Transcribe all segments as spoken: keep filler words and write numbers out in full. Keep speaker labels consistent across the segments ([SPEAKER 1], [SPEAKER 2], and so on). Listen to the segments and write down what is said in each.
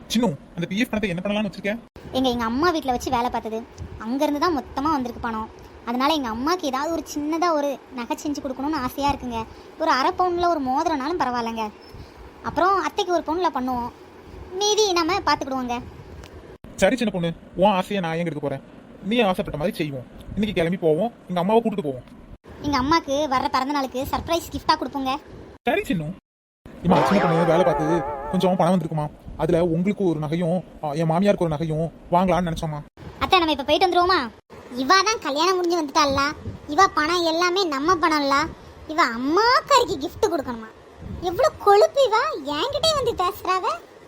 [SPEAKER 1] சின்ன அந்த பிஎஃப் பணத்தை என்ன பண்ணலாம்னு வச்சிருக்கேன்?
[SPEAKER 2] எங்க எங்க அம்மா வீட்டில் வச்சு வேலை பார்த்தது அங்கேருந்து தான் மொத்தமாக வந்திருக்கு பணம். அதனால எங்கள் அம்மாவுக்கு ஏதாவது ஒரு சின்னதாக ஒரு நகை செஞ்சு கொடுக்கணும்னு ஆசையாக இருக்குங்க. ஒரு அரை பவுனில் ஒரு மோதிரனாலும் பரவாயில்லைங்க. அப்புறம் அத்தைக்கு ஒரு பவுனில் பண்ணுவோம், மீதி நம்ம பார்த்துக்கிடுவோங்க.
[SPEAKER 1] சரி சின்ன பொண்ணு, உன் ஆசையை நான் எங்க எடுக்க போறேன். நீ ஆசைப்பட்ட மாதிரி செய்வோம். இன்னைக்கு கிளம்பி போவோம், எங்க அம்மாவை கூட்டிட்டு போவோம்.
[SPEAKER 2] எங்கள் அம்மாவுக்கு வர்ற பிறந்த நாளுக்கு சர்ப்ரைஸ் கிஃப்டாக கொடுப்போங்க.
[SPEAKER 1] சரி சின்ன. இம்மா சின்ன பொண்ணு வேலை பார்த்து கொஞ்சம் பணம் வந்திருக்குமா, அதுல உங்களுக்கு ஒரு நகையும் என் மாமியாருக்கு ஒரு நகையும் வாங்கலாம்னு நினைச்சோமா.
[SPEAKER 2] அத்தை நம்ம இப்போ போயிட்டு வந்துருவோமா? இவா தான் கல்யாணம் முடிஞ்சு வந்துட்டாள்ல, இவா பணம் எல்லாமே நம்ம பணம்ல. இவ அம்மாக்காரிக்கு கிஃப்ட் கொடுக்கணுமா? எவ்வளோ கொழுப்பு இவா என்கிட்டே வந்து பேசுறாவ.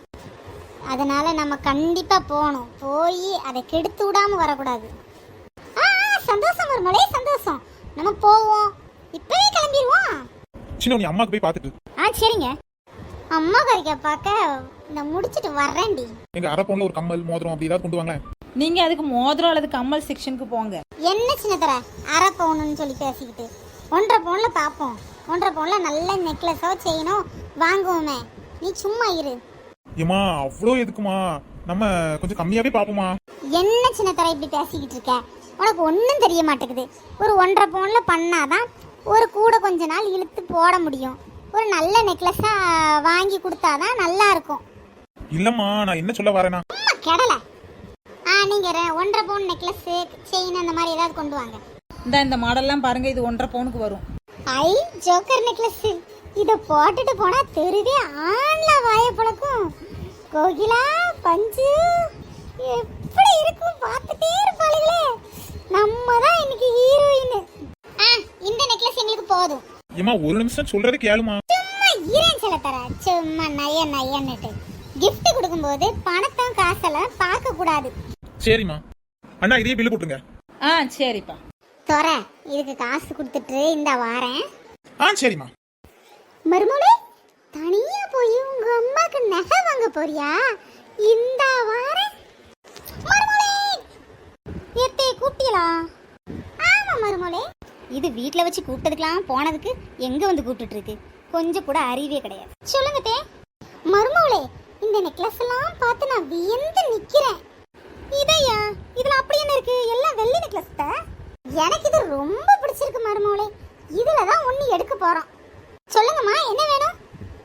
[SPEAKER 2] அதனால நம்ம கண்டிப்பா போகணும், போய் அதை கெடுத்து விடாம வரக்கூடாது. ஆ சந்தோஷம் மருமகளே சந்தோஷம், நம்ம போவோம், இப்பவே கிளம்பிடுவோம்.
[SPEAKER 1] சின்ன நீ அம்மாக்கு போய் பார்த்துட்டு.
[SPEAKER 2] ஆ சரிங்க. அம்மா கறிக்க பார்க்க நான் முடிச்சிட்டு வர்றேன்டி.
[SPEAKER 1] எங்க அரை பவுன்ல ஒரு கம்மல் மோதிரம் அப்படி ஏதாவது கொண்டு வாங்க.
[SPEAKER 3] நீங்க அதுக்கு மோதிரம் அல்லது கம்மல் செக்ஷனுக்கு போங்க.
[SPEAKER 2] என்ன சின்ன தர அரை பவுனுன்னு சொல்லி பேசிக்கிட்டு ஒன்றரை பவுன்ல பார்ப்போம். ஒன்றரை பவுன்ல நல்ல நெக்லஸோ செயினோ வாங்குவோமே, நீ சும்மா இரு.
[SPEAKER 1] ஏமா அவ்வளோ எதுக்குமா, நம்ம கொஞ்சம் கம்மியாவே பாப்போமா.
[SPEAKER 2] என்ன சின்ன தர இப்படி பேசிக்கிட்டு இருக்க? உனக்கு ஒன்றும் தெரிய மாட்டேங்குது. ஒரு ஒன்றரை பவுன்ல பண்ணாதான் ஒரு கூட கொஞ்ச நாள் இழுத்து போட முடியும். ஒரு நல்ல நெக்லஸா வாங்கி கொடுத்தாதான் நல்லா இருக்கும்.
[SPEAKER 1] இல்லம்மா நான் என்ன சொல்ல வரேனா,
[SPEAKER 2] கெடல. ஆ நீங்க ஒன்றரை பவுன் நெக்லஸ் செயின் அந்த மாதிரி ஏதாவது கொண்டு வாங்க.
[SPEAKER 3] இந்த இந்த மாடல்லாம் பாருங்க, இது ஒன்றரை பவுனுக்கு வரும்.
[SPEAKER 2] ஐ ஜோக்கர் நெக்லஸ், இத போட்டுட்டு போனா தெருவே ஆன்ல வாய பழக்கும். கோகிலா பஞ்சு எப்படி இருக்கும் பார்த்துட்டே இருப்பாளுங்களே. நம்ம தான் இன்னைக்கு ஹீரோயின். ஆ இந்த நெக்லஸ் எங்களுக்கு போதும்.
[SPEAKER 1] ஏமா ஒரு நிமிஷம் சொல்றது கேளுமா.
[SPEAKER 2] சும்மா ஈரன் சொல்ல தர, சும்மா நய நயன்னுட்டு. gift கொடுக்கும்போது பணத்தம் காசெல்லாம் பார்க்க கூடாது.
[SPEAKER 1] சரிம்மா. அண்ணா இதே பில்லு போட்டுருங்க.
[SPEAKER 3] ஆ சரிப்பா.
[SPEAKER 2] தோற இதுக்கு காசு கொடுத்துட்டு இந்த வாரேன்.
[SPEAKER 1] ஆ சரிம்மா.
[SPEAKER 2] மருமகளே தனியா போய் உங்க அம்மாக்கு நகை வாங்க போறியா? இந்த வாரேன். மருமகளே ஏத்தே கூப்பிட்டீங்களா? ஆமா மருமகளே. இது வீட்ல வச்சு கூப்பிட்டதுக்கெல்லாம் போனதுக்கு எங்க வந்து கூப்பிட்டுட்டு இருக்கு? கொஞ்சம் கூட அறிவே கிடையாது. சொல்லுங்க தே. மருமகளே இந்த நெக்லஸ் எல்லாம் பார்த்து நான் வியந்து நிக்கிறேன். இதையா? இதுல அப்படி என்ன இருக்கு? எல்லாம் வெள்ளி நெக்லஸ் தான். எனக்கு இது ரொம்ப பிடிச்சிருக்கு மருமகளே. இதுல தான் ஒண்ணு எடுக்க போறோம். சொல்லுங்கம்மா என்ன வேணும்?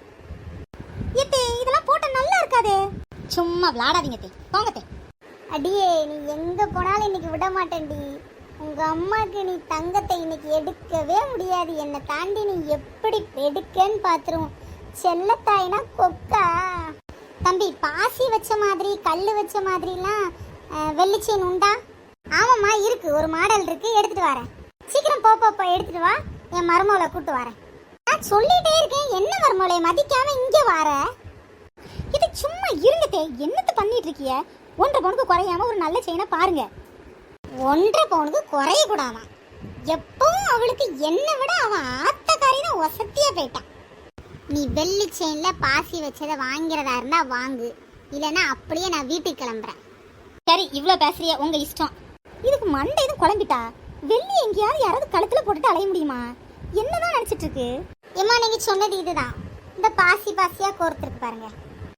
[SPEAKER 2] ஏத்தே இதெல்லாம் போட்ட நல்லா இருக்காதே. சும்மா விளையாடாதீங்க தே, போங்க தே. அடியே நீ எங்க போனாலும் இன்னைக்கு விட மாட்டேன்டி. உங்க அம்மாக்கு நீ தங்கத்தை இன்னைக்கு எடுக்கவே முடியாது. என்னை தாண்டி நீ எப்படி எடுக்கன்னு பாத்துருவோம். செல்லத்தாயினா கொக்கா. தம்பி பாசி வச்ச மாதிரி கல்லு வச்ச மாதிரிலாம் வெள்ளி செயின் உண்டா? ஆமாம்மா இருக்கு, ஒரு மாடல் இருக்கு, எடுத்துட்டு வரேன். சீக்கிரம் போ போ எடுத்துட்டு வா, என் மருமகளை கூட்டு வரேன். நான் சொல்லிட்டே இருக்கேன், என்ன மருமகளை மதிக்காம இங்க வர? இது சும்மா இருங்கத்தே, என்னத்து பண்ணிட்டு இருக்கிய? ஒன்றரை பவுனுக்கு குறையாம ஒரு நல்ல செயினை பாருங்க. ஒன்றரை பவுனுக்கு குறைய கூடாமா? எப்பவும் அவளுக்கு என்னை விட அவன் ஆத்தக்காரி தான் வசதியா போயிட்டான். நீ வெள்ளி செயின்ல பாசி வச்சதை வாங்கிறதா இருந்தா வாங்கு, இல்லைன்னா அப்படியே நான் வீட்டுக்கு கிளம்புறேன். சரி இவ்வளோ பேசுறிய, உங்க இஷ்டம். இதுக்கு மண்டை எதுவும் குழம்பிட்டா? வெள்ளி எங்கேயாவது யாராவது கழுத்துல போட்டுட்டு அலைய முடியுமா? என்னதான் நினைச்சிட்டு இருக்கு? ஏமா நீங்க சொன்னது இதுதான். இந்த பாசி பாசியா கோர்த்துருக்கு பாருங்க.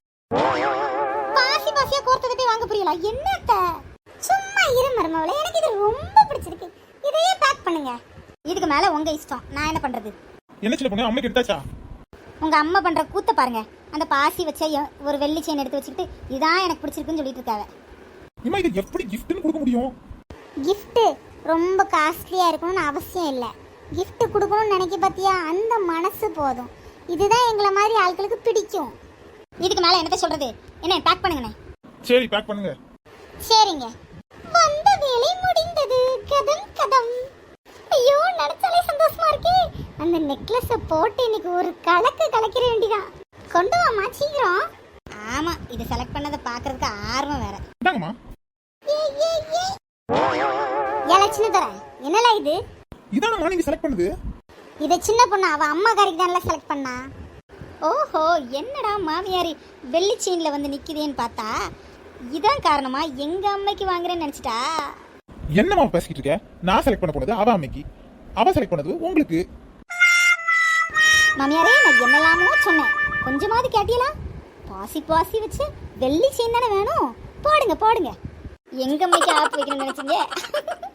[SPEAKER 2] பாசி பாசியா கோர்த்ததை போய் வாங்க புரியல என்னத்த? சும்மா இரு மருமகளே, எனக்கு இது ரொம்ப பிடிச்சிருக்கு. இதையே பேக் பண்ணுங்க. இதுக்கு மேல உங்க இஷ்டம், நான் என்ன பண்றது?
[SPEAKER 1] என்ன சின்ன பொண்ணு அம்மைக்கு எடுத்தாச்சா?
[SPEAKER 2] உங்க அம்மா பண்ற கூத்த பாருங்க. அந்த பாசி வச்ச ஒரு வெள்ளி செயின் எடுத்து வச்சுக்கிட்டு இதான் எனக்கு பிடிச்சிருக்குன்னு சொல்லிட்டு இருக்காங்க.
[SPEAKER 1] இம்மா இது எப்படி கிஃப்ட்னு கொடுக்க முடியும்?
[SPEAKER 2] கிஃப்ட் ரொம்ப காஸ்ட்லியா இருக்கணும்னு அவசியம் இல்லை. கிஃப்ட் கொடுக்கணும்னு நினைக்க பார்த்தியா, அந்த மனசு போதும். இதுதான் எங்களை மாதிரி ஆட்களுக்கு பிடிக்கும். இதுக்கு மேல என்னத்த சொல்றது? என்ன பேக் பண்ணுங்கண்ணே.
[SPEAKER 1] சரி பேக் பண்ணுங்க.
[SPEAKER 2] சரிங்க. வந்த வேலை முடிந்தது. கதம் கதம். ஐயோ நினைச்சாலே சந்தோஷமா இருக்கே. அந்த நெக்லஸ போட்டு இன்னைக்கு ஒரு கலக்கு கலக்கிற வேண்டிதான். கொண்டு வாமா சீக்கிரம். ஆமா இது செலக்ட் பண்ணதை பாக்குறதுக்கு ஆர்வம் வேற.
[SPEAKER 1] இந்தாங்கம்மா.
[SPEAKER 2] ஏல சின்ன தர என்னல இது?
[SPEAKER 1] இதானம்மா நீங்க செலக்ட் பண்ணது?
[SPEAKER 2] இத சின்ன பொண்ணு அவ அம்மா காரிக்கு தான்ல செலக்ட் பண்ணா. ஓஹோ என்னடா மாமியாரி வெள்ளி செயின்ல வந்து நிக்குதேன்னு பார்த்தா இதான் காரணமா எங்க அம்மைக்கு வாங்குறேன்னு நினைச்சிட்டா.
[SPEAKER 1] என்னம்மா பேசிக்கிட்டு இருக்க? நான் செலக்ட் பண்ண போனது அவ அம்மைக்கு, அவ செலக்ட் பண்ணது உங்களுக்கு.
[SPEAKER 2] மாமியாரே நான் என்னலாமோ சொன்னேன், கொஞ்சமாவது கேட்டியலா? பாசி பாசி வச்சு வெள்ளி செயின் தானே வேணும். போடுங்க போடுங்க. எங்க அம்மைக்கு ஆப்பு வைக்கணும்னு நினைச்சீங்க?